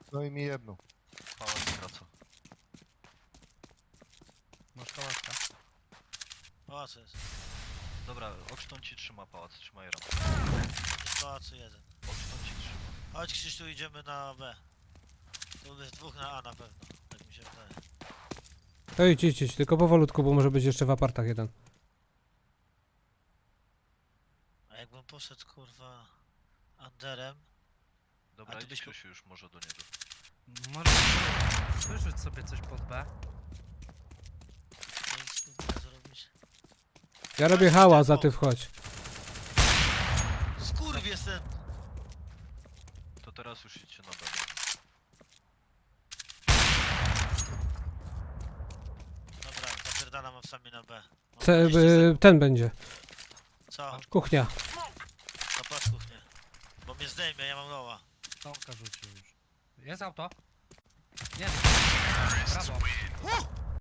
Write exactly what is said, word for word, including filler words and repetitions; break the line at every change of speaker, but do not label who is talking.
No i mi jedną.
Pałac wraca.
Masz kałaszka.
Pałacu jest.
Dobra, Oxton ci trzyma pałac, trzymaj ram.
W pałacu jeden.
Oxton ci trzyma.
Chodź Krzysztu, idziemy na B. Tu jest dwóch na A na pewno, tak mi się wydaje.
To idź, idź, idź, tylko powolutku, bo może być jeszcze w apartach jeden.
A jakbym poszedł kurwa Anderem,
Dobra,
A ty
idź
byś-
Krzysiu już może do niego.
Możesz wyrzuć sobie coś pod B.
to nic spróbuję zrobić.
Ja robię hałas, a ty wchodź.
Skurwies ten!
To teraz już idźcie na B.
Dobra, zapierdalam sami na B. Mam
Ce,
dwadzieścia
y, ten będzie.
sekund. Co?
Kuchnia.
To patrz kuchnię. Bo mnie zdejmie, ja mam loła.
Tomka rzucił już. Jest auto? Nie.